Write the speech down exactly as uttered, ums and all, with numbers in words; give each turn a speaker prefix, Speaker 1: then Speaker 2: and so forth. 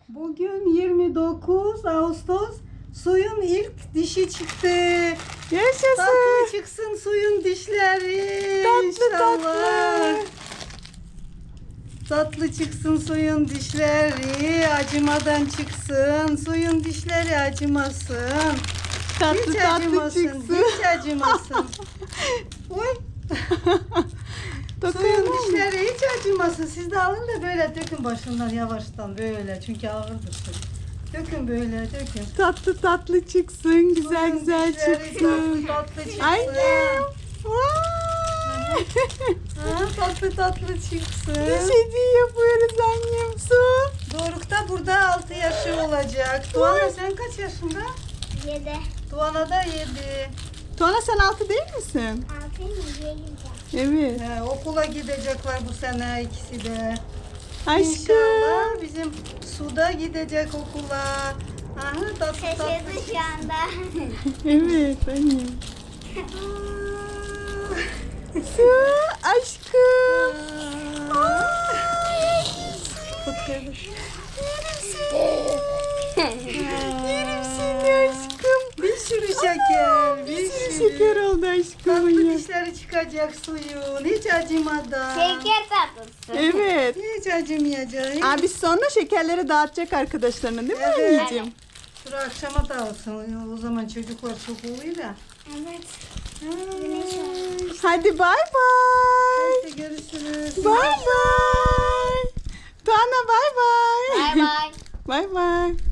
Speaker 1: Bugün yirmi dokuz Ağustos. Suyun ilk dişi çıktı.
Speaker 2: Yaşasın.
Speaker 1: Tatlı çıksın suyun dişleri.
Speaker 2: Tatlı
Speaker 1: İnşallah.
Speaker 2: tatlı.
Speaker 1: Tatlı çıksın suyun dişleri. Acımadan çıksın. Suyun dişleri acımasın.
Speaker 2: Tatlı
Speaker 1: Hiç
Speaker 2: tatlı
Speaker 1: acımasın.
Speaker 2: çıksın.
Speaker 1: Hiç acımasın. Oy. Suyun
Speaker 2: Dokunma.
Speaker 1: dişleri hiç acımasın. Siz de alın da böyle dökün başından yavaştan böyle. Çünkü ağırdır su. Dökün böyle dökün.
Speaker 2: Tatlı tatlı çıksın. Güzel
Speaker 1: Suyun
Speaker 2: güzel
Speaker 1: dişleri
Speaker 2: çıksın.
Speaker 1: Tatlı tatlı çıksın.
Speaker 2: Annem. Vay.
Speaker 1: Ha, tatlı tatlı çıksın.
Speaker 2: Diş hediye yapıyoruz annem. Su.
Speaker 1: Doruk da burada altı yaşı olacak. Tuana sen kaç yaşında?
Speaker 3: Yedi.
Speaker 1: Tuana da yedi.
Speaker 2: Tuana sen altı değil misin?
Speaker 3: Altı mı? Yedi.
Speaker 2: Evet.
Speaker 1: He, okula gidecekler bu sene ikisi de.
Speaker 2: Aşkım.
Speaker 1: İnşallah bizim Suda gidecek okula. Aha, tatlı tatlı
Speaker 3: Şaşırdı şu anda.
Speaker 2: Evet annem. Su. Aşkım. Yerim seni aşkım.
Speaker 1: Bir sürü şeker, bir
Speaker 2: Bir sürü
Speaker 1: sürü.
Speaker 2: şeker oldu aşkım.
Speaker 1: Tatlı
Speaker 2: ya.
Speaker 1: dişleri çıkacak suyun. Hiç acımadan.
Speaker 3: Şeker tatlısı.
Speaker 2: Evet.
Speaker 1: Hiç acımayacak.
Speaker 2: Abi sonra şekerleri dağıtacak arkadaşlarına değil mi
Speaker 1: Evet.
Speaker 2: anneciğim?
Speaker 1: Dur akşama dağılsın. O zaman çocuklar çok oluyor da.
Speaker 3: Evet.
Speaker 1: Ay,
Speaker 2: Hadi bay bay.
Speaker 1: Hadi görüşürüz.
Speaker 2: Bay bay. Tuana bay bay.
Speaker 3: Bay bay.
Speaker 2: Bay bay.